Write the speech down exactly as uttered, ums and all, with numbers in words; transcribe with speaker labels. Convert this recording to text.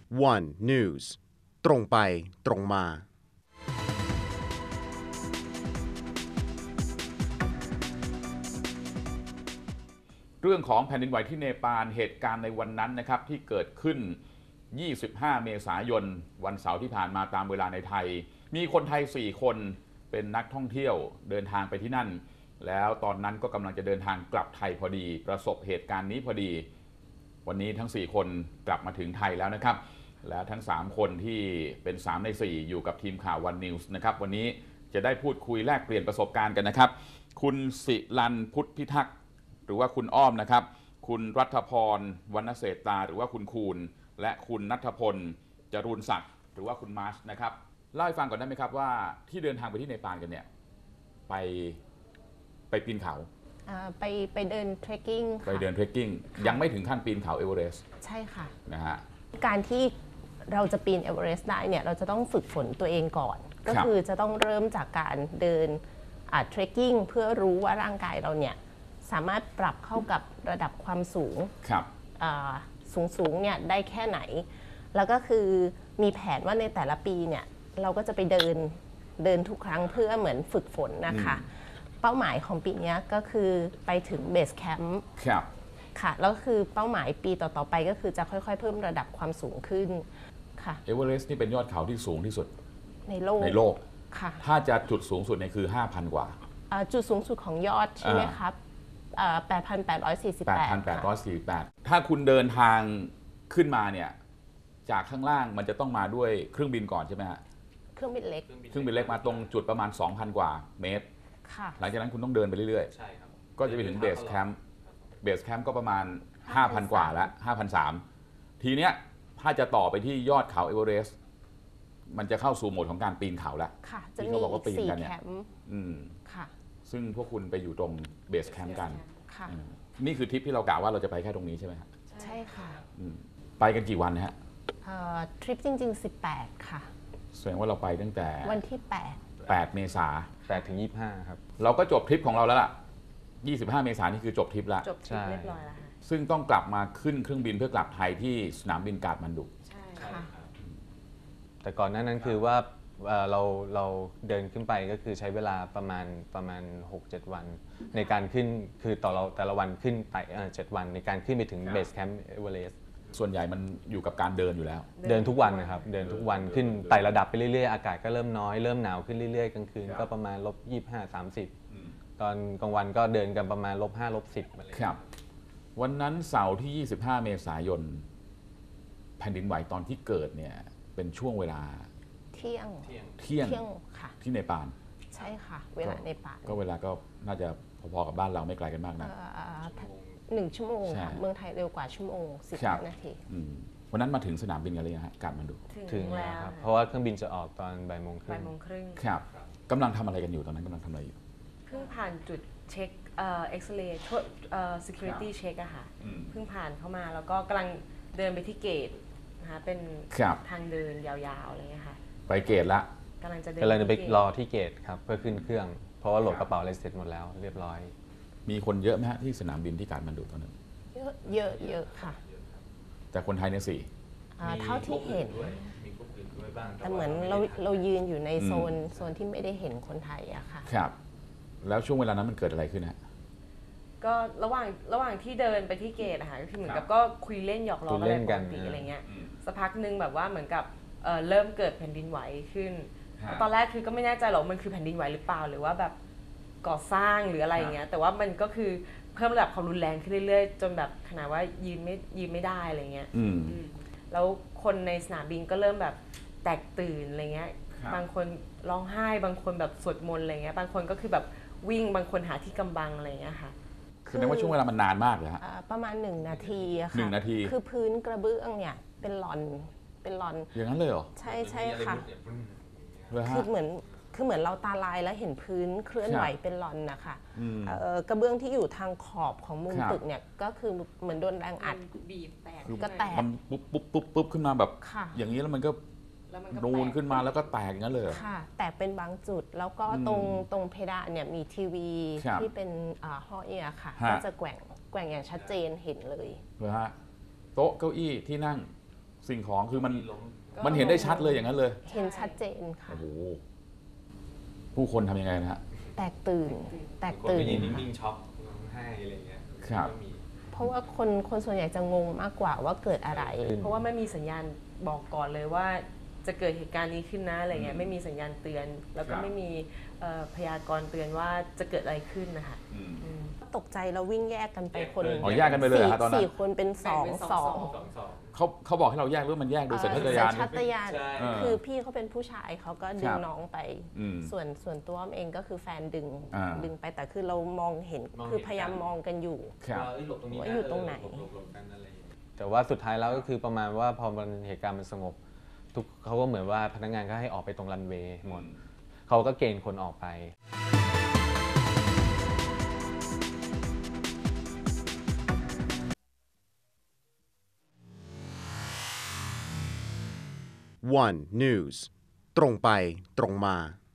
Speaker 1: วัน News ตรงไปตรงมา
Speaker 2: เรื่องของแผ่นดินไหวที่เนปาลเหตุการณ์ในวันนั้นนะครับที่เกิดขึ้นยี่สิบห้าเมษายนวันเสาร์ที่ผ่านมาตามเวลาในไทยมีคนไทยสี่คนเป็นนักท่องเที่ยวเดินทางไปที่นั่นแล้วตอนนั้นก็กำลังจะเดินทางกลับไทยพอดีประสบเหตุการณ์นี้พอดีวันนี้ทั้งสี่คนกลับมาถึงไทยแล้วนะครับแล้วทั้งสามคนที่เป็นสามในสี่อยู่กับทีมข่าววันนิวส์นะครับวันนี้จะได้พูดคุยแลกเปลี่ยนประสบการณ์กันนะครับคุณศิลันพุทธพิทักษ์หรือว่าคุณอ้อมนะครับคุณรัฐพรวรรณเศรษตาหรือว่าคุณคูณและคุณณัฐพลจรูนศักดิ์หรือว่าคุณมาร์ชนะครับเล่าให้ฟังก่อนได้ไหมครับว่าที่เดินทางไปที่เนปาลกันเนี่ยไปไปปีนเขา
Speaker 3: ไปไปเดินเทรคกิ้ง
Speaker 2: ไปเดินเทรคกิ้งยังไม่ถึงขั้นปีนเขาเอเวอเรสต์
Speaker 3: ใช่ค่ะ
Speaker 2: นะฮะ
Speaker 3: การที่เราจะปีนเอเวอเรสต์ได้เนี่ยเราจะต้องฝึกฝนตัวเองก่อนก็คือจะต้องเริ่มจากการเดินเทรคกิ้งเพื่อรู้ว่าร่างกายเราเนี่ยสามารถปรับเข้ากับระดับความสูงสูงสูงเนี่ยได้แค่ไหนแล้วก็คือมีแผนว่าในแต่ละปีเนี่ยเราก็จะไปเดินเดินทุกครั้งเพื่อเหมือนฝึกฝนนะคะเป้าหมายของปีนี้ก็คือไปถึงเบสแคมป์ค่ะแล้วก็คือเป้าหมายปีต่อๆไปก็คือจะค่อยๆเพิ่มระดับความสูงขึ้นค่ะ
Speaker 2: เอเวอเรสต์นี่เป็นยอดเขาที่สูงที่สุด
Speaker 3: ในโลก
Speaker 2: ในโลก
Speaker 3: ค่ะ
Speaker 2: ถ้าจะจุดสูงสุดเนี่ยคือ ห้าพัน กว่า
Speaker 3: จุดสูงสุดของยอดใช่ไหมครับแปดพันแปดร้อยสี่สิบแปด
Speaker 2: แปดพันแปดร้อยสี่สิบแปด ถ้าคุณเดินทางขึ้นมาเนี่ยจากข้างล่างมันจะต้องมาด้วยเครื่องบินก่อนใช่ไหมฮะ
Speaker 3: เครื่องบินเล็ก
Speaker 2: เครื่องบินเล็กมาตรงจุดประมาณ สองพัน กว่าเมตรหลังจากนั้นคุณต้องเดินไปเรื่อยๆใช่ครับก็จะไปถึงเบสแคมป์เบสแคมป์ก็ประมาณ ห้าพัน กว่าแล้ว ห้าพันสามร้อย ทีเนี้ยถ้าจะต่อไปที่ยอดเขาเอเวอเรสต์มันจะเข้าสู่โหมดของการปีนเขาแล้ว
Speaker 3: ที่เขาบอกว่าปีนกันเนี่ย
Speaker 2: ซึ่งพวกคุณไปอยู่ตรงเบสแคมป์กันนี่คือทริปที่เรากล่าวว่าเราจะไปแค่ตรงนี้ใช่ไหมครับ
Speaker 3: ใช่ค่ะ
Speaker 2: ไปกันกี่วันนะฮะ
Speaker 3: ทริปจริงๆสิบแปดค่ะ
Speaker 2: แสดงว่าเราไปตั้งแต่
Speaker 3: วันที่แปด
Speaker 2: แปดเมษา
Speaker 4: แปดถึงยี่สิบห้าครับ
Speaker 2: เราก็จบทริปของเราแล้วล่ะยี่สิบห้าเมษายนนี่คือจบทริปแล้ว
Speaker 3: จบทริปเรียบร้อยแล้วค่ะ
Speaker 2: ซึ่งต้องกลับมาขึ้นเครื่องบินเพื่อกลับไทยที่สนามบินกาฐมาณดุ
Speaker 3: ใช่ค่ะ
Speaker 4: แต่ก่อนหน้านั้นคือว่าเราเราเดินขึ้นไปก็คือใช้เวลาประมาณประมาณ หกเจ็ด วันในการขึ้นคือต่อเราแต่ละวันขึ้นไปเจ็ดวันในการขึ้นไปถึงเบสแคมป์เอเวอเรสต์
Speaker 2: ส่วนใหญ่มันอยู่กับการเดินอยู่แล้ว
Speaker 4: เดินทุกวันนะครับเดินทุกวันขึ้นไต่ระดับไปเรื่อยๆอากาศก็เริ่มน้อยเริ่มหนาวขึ้นเรื่อยๆกลางคืนก็ประมาณลบยี่สิบห้า สามสิบตอนกลางวันก็เดินกันประมาณลบห้าลบสิบอะไร
Speaker 2: ครับวันนั้นเสาร์ที่ยี่สิบห้าเมษายนแผ่นดินไหวตอนที่เกิดเนี่ยเป็นช่วงเวลา
Speaker 3: เที่ยง
Speaker 2: เที่ยง
Speaker 3: ค่ะ
Speaker 2: ที่เนปาล
Speaker 3: ใช่ค่ะเวลาเนปาล
Speaker 2: ก็เวลาก็น่าจะพอๆกับบ้านเราไม่ไกลกันมากนะ
Speaker 3: หนึ่งชั่วโมงค่ะเมืองไทยเร็วกว่าชั่วโมงสิบนาที
Speaker 2: วันนั้นมาถึงสนามบินกันเลยฮะกาฐมาณดุ
Speaker 4: ถึงแล้วครับเพราะว่าเครื่องบินจะออกตอนบ่ายโมงครึ่ง
Speaker 5: บ่ายโมงครึ่ง
Speaker 2: ครับกำลังทำอะไรกันอยู่ตอนนั้นกำลังทำอะไรอยู่
Speaker 5: เพิ่งผ่านจุดเช็คเอ่อเอ็กซเรย์เอ่อ security check อะค่ะเพิ่งผ่านเข้ามาแล้วก็กำลังเดินไปที่เกตนะคะเป็นทางเดินยาวๆอะไรเงี้ยค่ะ
Speaker 2: ไปเกตละ
Speaker 5: กำลังจะเดิน
Speaker 4: กำลังจะไปรอที่เกตครับเพื่อขึ้นเครื่องเพราะว่าโหลดกระเป๋าอะไรเสร็จหมดแล้วเรียบร้อย
Speaker 2: มีคนเยอะไหมฮะที่สนามบินที่กาฐมาณดุตอนนั้น
Speaker 3: เยอะเยอะเยอะค่ะ
Speaker 2: แต่คนไทยเนี่ยสี่
Speaker 3: เท่าที่เห็นแต่เหมือนเราเรายืนอยู่ในโซนโซนที่ไม่ได้เห็นคนไทยอะค่ะ
Speaker 2: ครับแล้วช่วงเวลานั้นมันเกิดอะไรขึ้นฮะ
Speaker 5: ก็ระหว่างระหว่างที่เดินไปที่เกตอะค่ะก็คือเหมือนกับก็คุยเล่นหยอกล้อกันปกติอะไรเงี้ยสักพักนึงแบบว่าเหมือนกับเริ่มเกิดแผ่นดินไหวขึ้นตอนแรกคือก็ไม่แน่ใจหรอกมันคือแผ่นดินไหวหรือเปล่าหรือว่าแบบก่อสร้างหรืออะไรอย่างเงี้ยแต่ว่ามันก็คือเพิ่มระดับความรุนแรงขึ้นเรื่อยๆจนแบบขนาดว่ายืนไม่ยืนไม่ได้อะไรเงี้ยแล้วคนในสนามบินก็เริ่มแบบแตกตื่นอะไรเงี้ยบางคนร้องไห้บางคนแบบสวดมนต์อะไรเงี้ยบางคนก็คือแบบวิ่งบางคนหาที่กำบังอะไรเงี้ยค่ะ
Speaker 2: คือในว่าช่วงเวลามันนานมากเลยฮะ
Speaker 3: ประมาณหนึ่งนาทีอะค่ะ
Speaker 2: หนึ่งนาที
Speaker 3: คือพื้นกระเบื้องเนี่ยเป็นหลอนเป็นหลอน
Speaker 2: อย่างนั้นเลยเหรอ
Speaker 3: ใช่ใช่ค่ะคือเหมือนคือเหมือนเราตาลายแล้วเห็นพื้นเคลื่อนไหวเป็นหลอนนะคะกระเบื้องที่อยู่ทางขอบของมุมตึกเนี่ยก็คือเหมือนโดนแรงอัด
Speaker 5: บีบแตก
Speaker 3: ก็แตก
Speaker 2: มันปุ๊บปุ๊บปุ๊บปุ๊บขึ้นมาแบบอย่างนี้แล้วมันก็นูนขึ้นมาแล้วก็แตกอย่างนั้นเลย
Speaker 3: ค่ะแตกเป็นบางจุดแล้วก็ตรงตรงเพดานเนี่ยมีทีวีที่เป็นห่อเอียค่ะก็จะแกว่งแกว่งอย่างชัดเจนเห็นเลย
Speaker 2: เลยฮะโต๊ะเก้าอี้ที่นั่งสิ่งของคือมัน
Speaker 4: ล้ม
Speaker 2: มันเห็นได้ชัดเลยอย่างนั้นเลย
Speaker 3: เห็นชัดเจนค่ะ
Speaker 2: โอ้โหผู้คนทำยังไงนะฮะ
Speaker 3: แตกตื่น แตก
Speaker 4: คน
Speaker 3: ตื่
Speaker 4: ไป
Speaker 3: น
Speaker 4: ยืนนิ่งๆช็อกร้องไห้อะไรเงี้ย
Speaker 2: ครับ
Speaker 4: ก็มี
Speaker 3: เพราะว่าคนคนส่วนใหญ่จะงงมากกว่าว่าเกิดอะไร
Speaker 5: เพราะว่าไม่มีสัญญาณบอกก่อนเลยว่าจะเกิดเหตุการณ์นี้ขึ้นนะอะไรเงี้ยไม่มีสัญญาณเตือน แล้วก็ไม่มีเอ่อพยากรณ์เตือนว่าจะเกิดอะไรขึ้นนะคะอืม
Speaker 3: ตกใจแล้ววิ่งแยกกันไปคน
Speaker 2: อ๋อแยกกันไปเลยเหรอฮะตอนนั้น
Speaker 3: สี่คนเป็นสอง
Speaker 5: แบ่งเป็น
Speaker 3: ส
Speaker 5: ส
Speaker 3: อ
Speaker 5: อง ง
Speaker 4: สองสอง
Speaker 2: เขาเขาบอกให้เราแยกหรือว่ามันแยกโดยสัญชาตญาณ
Speaker 3: สัญชาตญาณ
Speaker 4: ใช่
Speaker 3: คือพี่เขาเป็นผู้ชายเขาก็ดึ
Speaker 2: ค
Speaker 3: ง
Speaker 2: รับ
Speaker 3: น้องไป
Speaker 2: อืม
Speaker 3: ส่วนส่วนตัวอ้อมเองก็คือแฟนดึง
Speaker 2: อ่า
Speaker 3: ดึงไปแต่คือเรามองเห็น
Speaker 4: มองเห็น
Speaker 3: คือพยายามมองกันอยู่
Speaker 2: ครับ
Speaker 4: ว่าเอ้ยหลบตรงนี้
Speaker 3: ว่าอยู่ตรงไหน
Speaker 4: หลบหลบกันอะไรอย่างเงี้ยแต่ว่าสุดท้ายแล้วก็คือประมาณว่าพอมันเหตุการณ์มันสงบทุกเขาก็เหมือนว่าพนักงานก็ให้ออกไปตรงรันเวย์หมดเขาก็เกณฑ์คนออกไป
Speaker 1: วัน News ตรงไปตรงมา